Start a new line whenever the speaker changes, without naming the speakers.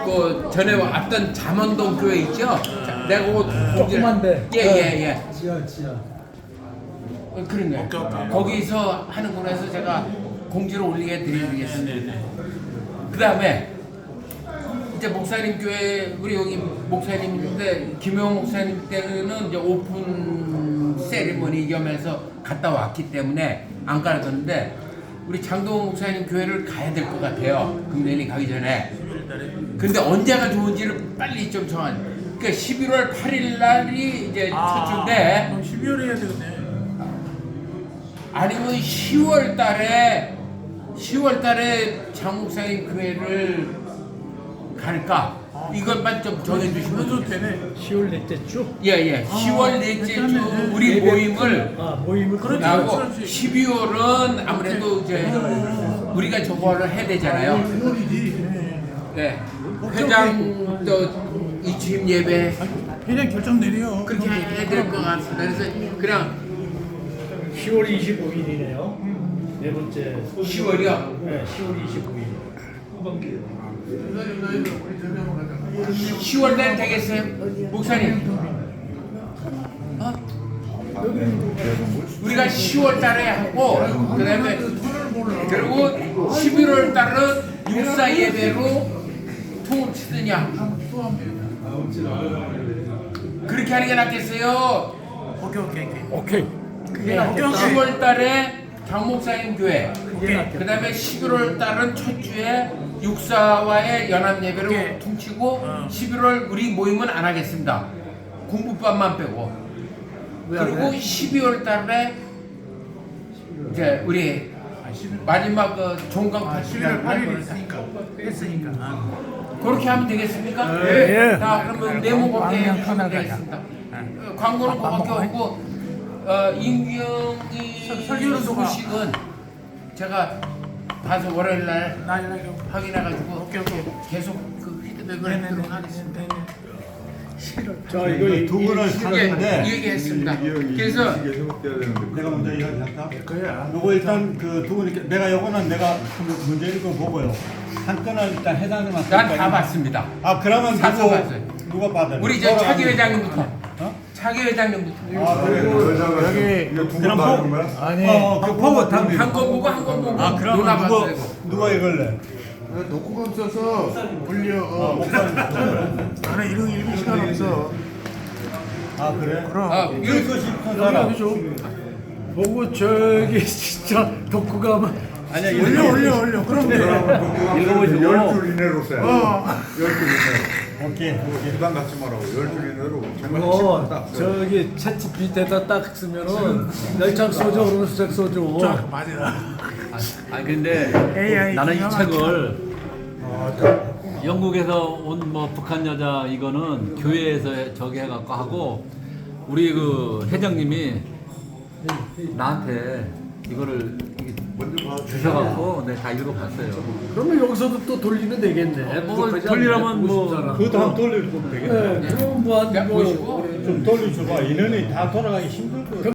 그 전에 왔던 잠원동 교회 있죠? 내가
조그만데.
예예예.
지하.
그러네. 거기서 하는구나 해서 제가 공지를 올리게 드리겠습니다. 그 다음에 이제 목사님 교회 우리 여기 목사님인데 김용 목사님 때는 이제 오픈 세리머니 겸해서 갔다 왔기 때문에 안 가르쳤는데 우리 장동원 목사님 교회를 가야 될 것 같아요. 금년이 가기 전에. 근데 언제가 좋은지를 빨리 좀 정한. 그러니까 11월 8일 날이 이제 첫 주인데.
그럼 12월에 해야 되겠네.
아니면 10월 달에 장 목사님 교회를 갈까? 이것만 좀 정해주시면
해도 되네.
10월 넷째 주.
예예. 10월 넷째 주 우리 모임을
모임을
그렇죠.
하고
그렇지.
12월은 아무래도 이제 우리가 저거를 해야 되잖아요.
1월이지.
네. 회장 또 이취임 예배
회장 결정 내려.
그렇게 해야 될 것 같습니다. 그래서 그냥
10월 25일이네요. 네 번째.
10월이요.
네, 10월 25일. 후반기.
10월 달 되겠어요? 목사님. 어? 우리가 10월 달에 하고 그다음에 그리고 11월 달은 육사 예배로 통을 치느냐 그렇게 하는 게 낫겠어요.
오케이.
그게
10월 달에 장 목사님 교회
낫겠다.
그다음에 11월 달은 첫 주에 육사와의 연합 예배로
오케이.
퉁치고 11월 우리 모임은 안 하겠습니다. 공부반만 빼고 그리고 12월 달에 이제 우리 마지막 그 종강
11월 8일 했으니까.
그렇게 하면 되겠습니까?
예.
자 그러면 네모 그렇게 하면 되겠습니다. 광고는 그렇게 하고 임경이
설교는 누가?
소식은 제가 봐서 월요일 날
나
확인해가지고
오케이.
계속 그 피드백을 하도록 하겠습니다.
자, 이거
두 분을
예,
사는데
얘기했습니다. 그래서
내가 먼저 이야기할까?
그거야.
요거 일단 그 두 분이 내가 요거는 내가 문제 읽어 보고요. 한 건은 일단 회장님한테.
난 다 봤습니다.
아 그러면
사서 봤어요.
누가 받아요?
우리 저 차기 회장님부터.
어?
차기 회장님부터.
아 그리고
여기
그럼
아니.
그 보고 당.
한 건 보고 한 건 보고.
아
누나
그러면
봤어요.
누가 이걸래?
녹화감 써서 올려.
나는 이런 읽을 시간 없어.
아 그래?
그럼.
아,
읽고 싶은 사람.
보고 저기 진짜 덕후가
아니야
올려. 그럼 돼.
읽어보시고.
10줄 이내로 써. 10줄 이내로.
오케이.
부담 갖지 말라고. 10줄 이내로. 정말 딱 써.
저기 채찌 밑에다 딱 쓰면은 열장 소주 오른색 소주.
맞아.
아니 근데
AI
나는 이
기가
책을 영국에서 온 뭐 북한 여자 이거는 교회에서 저기 해갖고 하고 우리 그 회장님이 나한테 이거를 주셔갖고 내가 다 읽어봤어요.
그러면 여기서도 또 돌리면 되겠네.
뭐
부족하지
돌리라면
않네,
뭐
50 사람.
그것도 한번 돌려주면 되겠네.
네, 그럼 뭐한
보시고.
좀 돌려줘봐. 인원이 다 돌아가기 힘들 거야.